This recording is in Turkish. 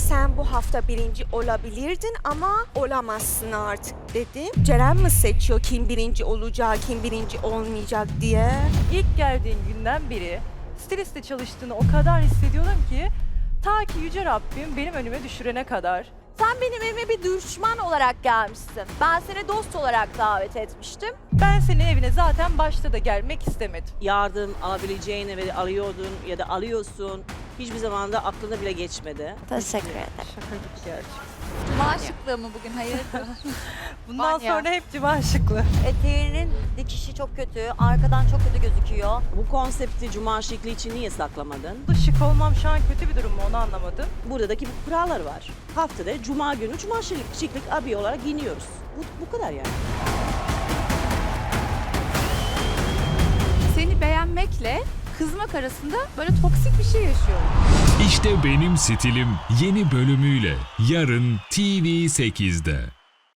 sen bu hafta birinci olabilirdin ama olamazsın artık dedim. Ceren mi seçiyor kim birinci olacak, kim birinci olmayacak diye? İlk geldiğin günden beri stiliste çalıştığını o kadar hissediyorum ki ta ki Yüce Rabbim benim önüme düşürene kadar. Sen benim evime bir düşman olarak gelmişsin. Ben seni dost olarak davet etmiştim. Ben senin evine zaten başta da gelmek istemedim. Yardım alabileceğini ve alıyordun ya da alıyorsun. Hiçbir zaman da aklına bile geçmedi. Teşekkür ederim. Şakacık gerçekten. Cuma şıklığı mı bugün? Hayırdır? Bundan Vanya. sonra hep civan şıklı. Eteğinin dikişi çok kötü, arkadan çok kötü gözüküyor. Bu konsepti cuma şekli için niye saklamadın? Şık olmam şu an kötü bir durum mu onu anlamadım. Buradaki kurallar var. Haftada cuma günü cuma şıklık abi olarak giyiniyoruz. Bu kadar yani. Seni beğenmekle kızmak arasında böyle toksik bir şey yaşıyorum. İşte benim stilim yeni bölümüyle yarın TV8'de.